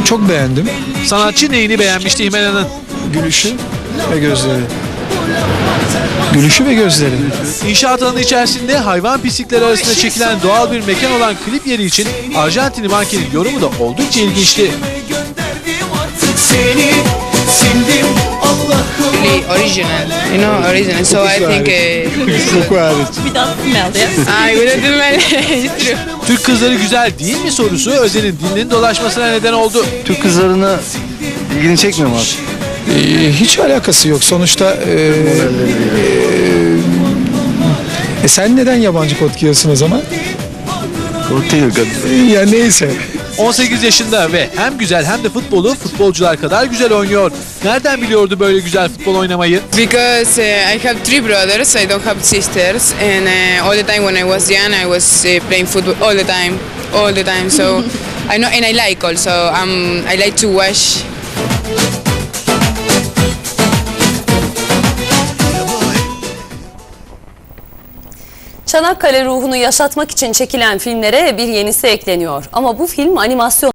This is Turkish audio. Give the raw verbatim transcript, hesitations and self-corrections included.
Çok beğendim. Sanatçı neyini beğenmişti Himena'nın? Gülüşü ve gözleri. Gülüşü ve gözleri. İnşaat alanı içerisinde hayvan pislikleri arasında çekilen doğal bir mekan olan klip yeri için Arjantinli mankenin yorumu da oldukça ilginçti. Really original, you know, original. So I think uh, Koku hariç. We don't smell, yes? I wouldn't do my It's true. Türk kızları güzel değil mi sorusu Özen'in dilinin dolaşmasına neden oldu. Türk kızlarına ilgini çekmiyor mu abi? Ee, hiç alakası yok. Sonuçta e, e, e, sen neden yabancı kod giyiyorsun o zaman? Kokteyl kadın. E, ya neyse. on sekiz yaşında ve hem güzel hem de futbolu futbolcular kadar güzel oynuyor. Nereden biliyordu böyle güzel futbol oynamayı? Because uh, I have three brothers, I don't have sisters, and uh, all the time when I was young, I was uh, playing football all the time, all the time. So I know, and I like also. Um, I like to watch. Çanakkale ruhunu yaşatmak için çekilen filmlere bir yenisi ekleniyor. Ama bu film animasyon